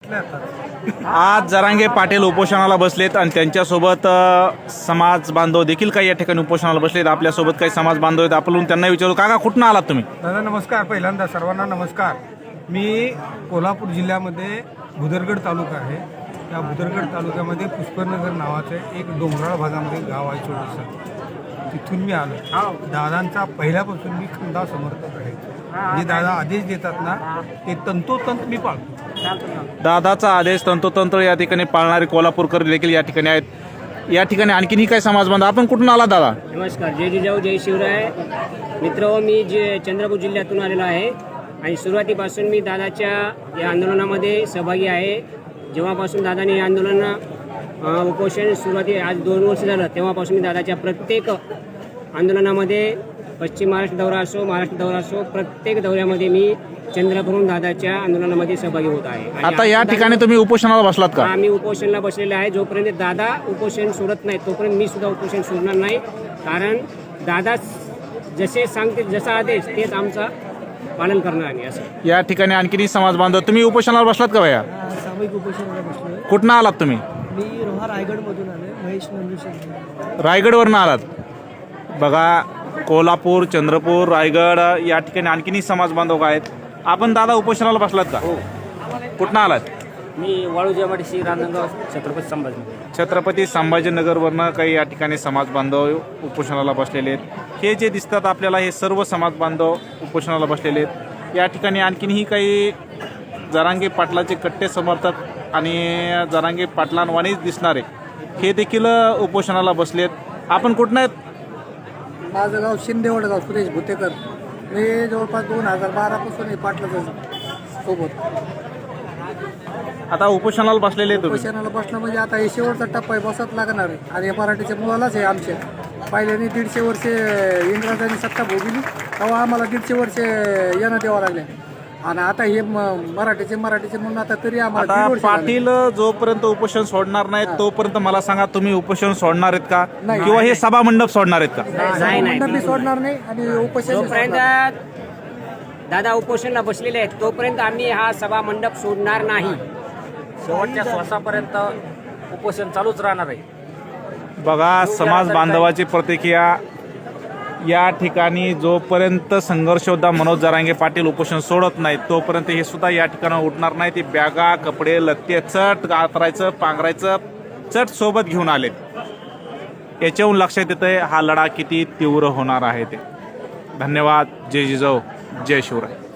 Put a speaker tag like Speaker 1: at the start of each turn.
Speaker 1: आज जरांगे पाटील उपोषणाला बसलेत आणि त्यांच्यासोबत समाज बांधव देखील काही या ठिकाणी उपोषणाला बसलेत। आपल्यासोबत काही समाज बांधव आहेत, आपण त्यांना विचारू, काका कुठून आलात तुम्ही?
Speaker 2: दादा नमस्कार, पहिल्यांदा सर्वांना नमस्कार। मी कोल्हापूर जिल्ह्यामध्ये भुदरगड तालुका आहे। त्या भुदरगड तालुक्यामध्ये पुष्पनगर नावाचे एक डोंगराळ भागामध्ये गाव आहे छोटंसं, तिथून मी आलो। दादांचा पहिल्यापासून मी खंदा समर्थक आहे। जे दादा आदेश देतात ना ते तंतोतंत मी पाळतो।
Speaker 1: दादाचा आदेश तंतोतंत या ठिकाणी पाळणारे कोल्हापूरकर देखील या ठिकाणी आहेत। या ठिकाणी आणखीनही काही समाज बांधव, आपण कुठून आला दादा?
Speaker 3: नमस्कार, जय जिजाऊ जय शिवराय। मित्र, मी चंद्रपूर जिल्ह्यातून आलेलो आहे आणि सुरुवातीपासून मी दादाच्या या आंदोलनामध्ये सहभागी आहे। जेव्हापासून दादाने हे आंदोलन उपोषण सुरुवाती आज 2 वर्ष झालं, तेव्हापासून मी दादाच्या प्रत्येक आंदोलनामध्ये, पश्चिम महाराष्ट्र दौरा असो, महाराष्ट्र दौरा असो, प्रत्येक दौऱ्यामध्ये मी चंद्रपूरहून दादाच्या आंदोलनामध्ये सहभागी होत आहे।
Speaker 1: आता या ठिकाणी तुम्ही उपोषणाला बसलात का?
Speaker 3: आम्ही उपोषणाला बसलेले आहे। जोपर्यंत दादा उपोषण सोडत नाही तोपर्यंत मी सुद्धा उपोषण सोडणार नाही, कारण दादा जसे सांगते, जसा आदेश तेच आमचा पालन करणार आहे। असं
Speaker 1: या ठिकाणी आणखीनही समाज बांधव, तुम्ही उपोषणाला बसलात का भैया?
Speaker 4: सामूहिक उपोषणाला बसलोय।
Speaker 1: कुठनं आलात तुम्ही?
Speaker 4: मी रोहा रायगडमधून आलोय, महेश नंदुशेठ।
Speaker 1: रायगडवरनं आलात? बघा, कोल्हापूर, चंद्रपूर, रायगड या ठिकाणी आणखीनही समाज बांधव आहेत। आपण दादा उपोषणाला बसलात का?
Speaker 3: हो।
Speaker 1: कुठनं आलात?
Speaker 3: मी वाळूजामडशी, रांजणगाव, छत्रपती संभाजी।
Speaker 1: छत्रपती संभाजीनगरवरनं काही या ठिकाणी समाज बांधव उपोषणाला बसलेले आहेत। हे जे दिसतात आपल्याला, हे सर्व समाज बांधव उपोषणाला बसलेले आहेत। या ठिकाणी आणखीनही काही जरांगे पाटलाचे कट्टे समर्थक आणि जरांगे पाटलांवानीच दिसणारे हे देखील उपोषणाला बसलेत। आपण कुठनं आहेत?
Speaker 4: माझं गाव शिंदेवड गाव, सुरेश भुतेकर। मी जवळपास 2012 पासून पाटलाच्या सोबत
Speaker 1: आता उपोषणाला बसलेले आहेत तुम्ही?
Speaker 4: उपोषणाला बसणं म्हणजे आता हे शेवटचा टप्पा आहे, बसत लागणार आहे। आणि हे मराठीच्या मुलालाच आहे आमच्या। पहिल्याने 150 वर्षे इंग्रजांनी सत्ता भोगली, तेव्हा आम्हाला 150 वर्षे येणं द्यावं लागले। आणि आता हे मराठीचे म्हणून आता तरी आम्हाला 1.5 वर्ष
Speaker 1: पाटील जोपर्यंत उपोषण सोडणार नाहीत तोपर्यंत मला सांगा, तुम्ही उपोषण सोडणार आहेत का?
Speaker 4: नाही.
Speaker 1: किंवा हे सभा मंडप सोडणार आहेत का?
Speaker 4: मी सोडणार नाही आणि उपोषण
Speaker 3: जोपर्यंत दादा उपोषणाला बसलेले आहेत तोपर्यंत आम्ही हा सभा मंडप सोडणार नाही। शेवटच्या श्वासापर्यंत उपोषण चालूच राहणार आहे।
Speaker 1: बघा, समाज बांधवाची प्रतिक्रिया या ठिकाणी, जोपर्यंत संघर्ष योद्धा मनोज जरांगे पाटील उपोषण सोडत नाहीत तोपर्यंत हे सुद्धा या ठिकाणी उठणार नाही। ते बॅगा, कपडे, लत्ते चट आतरायचं, पांघरायचं चट सोबत घेऊन आलेत। याच्याहून लक्षात येतंय हा लढा किती तीव्र होणार आहे ते। धन्यवाद। जय जिजाऊ जय शिवराय।